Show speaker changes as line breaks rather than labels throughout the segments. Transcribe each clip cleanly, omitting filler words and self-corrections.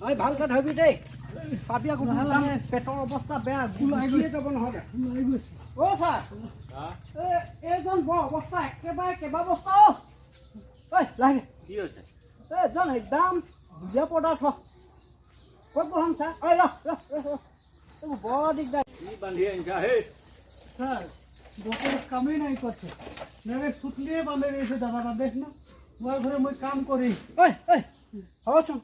ঐ ভালকে ধৰিবি দেই চাবি আকৌ পেটৰ অৱস্থা বেয়া গুচিয়ে যাব নহ'লে অ' ছাৰ এইজন বৰ অৱস্থা একেবাৰে কেইবা বস্তা ঐ লাগে
কি হৈছে
এইজন একদম বিয়া পদাৰ্থ ক'ত বহাম ছাৰ ঐ ৰহ বৰ দিগদাৰ
কি বান্ধি আনিছা হেই
স্যার বকের কামই নাই করছে মেরে সুতলিয়ে বাঁধে রয়েছে দাদাটা দেখ না ওর ঘরে মই কাম করি
ঐ হচোন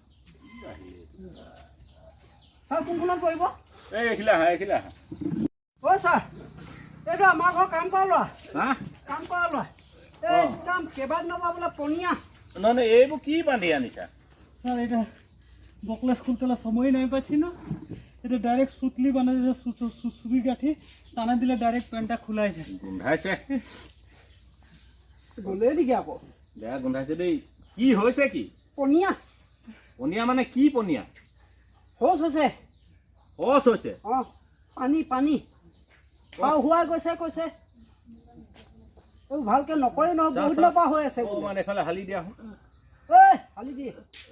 ছাৰ কোনখনত পৰিব
এই এইখিলা আহা
অ' ছাৰ এইটো আমাৰ ঘৰ কাম কৰা ল'ৰা
হা
কাম কৰা ল'ৰা এই একদম কেইবাদিনৰ পৰা বোলে পনীয়া
নহয় এইবোৰ কি বান্ধি আনিছা
স্যার এটা বকলেস খুলতে সময় নাই পাচ্ছি না এটা ডাইরেক্ট সুতলি বাঁধে দিয়েছে সুসুরি কাঠি টানা দিলে ডাইরেক্ট প্যান্টটা খোলাই যায়
গোন্ধাইছে
গ'লেই নেকি আকৌ
বেয়া গোন্ধাইছে দেই কি হৈছে কি
পনীয়া
পনীয়া মানে কি পনীয়া
শৌচ হৈছে
শৌচ হৈছে
অঁ পানী হোৱাই গৈছে কৈছে এইবোৰ ভালকৈ নকৰে নহয় বহুত দিনৰ পৰা হৈ আছে
অকণমান এইফালে হালি দিয়া
ঐ হালি দিয়ে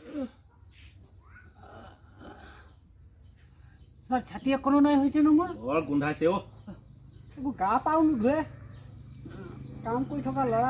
স্যার ছাতি এখনো নাই হয়েছে না মোৰ
বৰ গোন্ধাইছে অ'
এইবোৰ গা পাও নোধোৱে কাম কৰি থকা ল'ৰা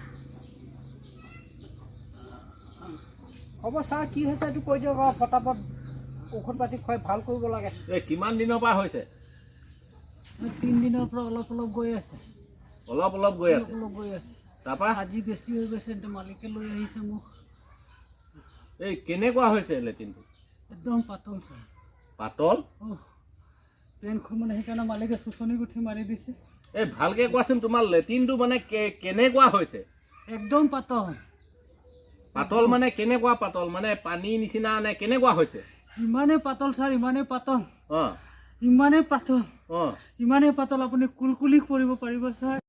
হ'ব ছাৰ কি হৈছে এইটো কৈ দিয়ক আৰু পটাপট ঔষধ পাতি খুৱাই ভাল কৰিব লাগে
এই কিমান দিনৰ পৰা হৈছে
3 দিনৰ পৰা অলপ গৈ আছে
অলপ গৈ আছে
অলপ গৈ আছে
তাৰপৰা
আজি বেছি হৈ গৈছে এতিয়া মালিকে লৈ আহিছে মোক
এই কেনেকুৱা হৈছে লেট্ৰিনটো
একদম পাতল স্যার
পাতল
পেনখন মানে সেইকাৰণে মালিকে চুচনি গুঠি মাৰি দিছে
এই ভালকে কোৱাচোন তোমাৰ লেট্ৰিনটো মানে কেনেকুৱা হৈছে
একদম পাতল
পাতল মানে কেনেকুৱা পাতল মানে পানী নিচিনা নে কেনেকুৱা হৈছে
ইমানেই পাতল স্যার ইমানেই পাতল
অঁ
ইমানেই পাতল
অঁ
ইমানেই পাতল আপুনি কুলকুলি কৰিব পাৰিব স্যার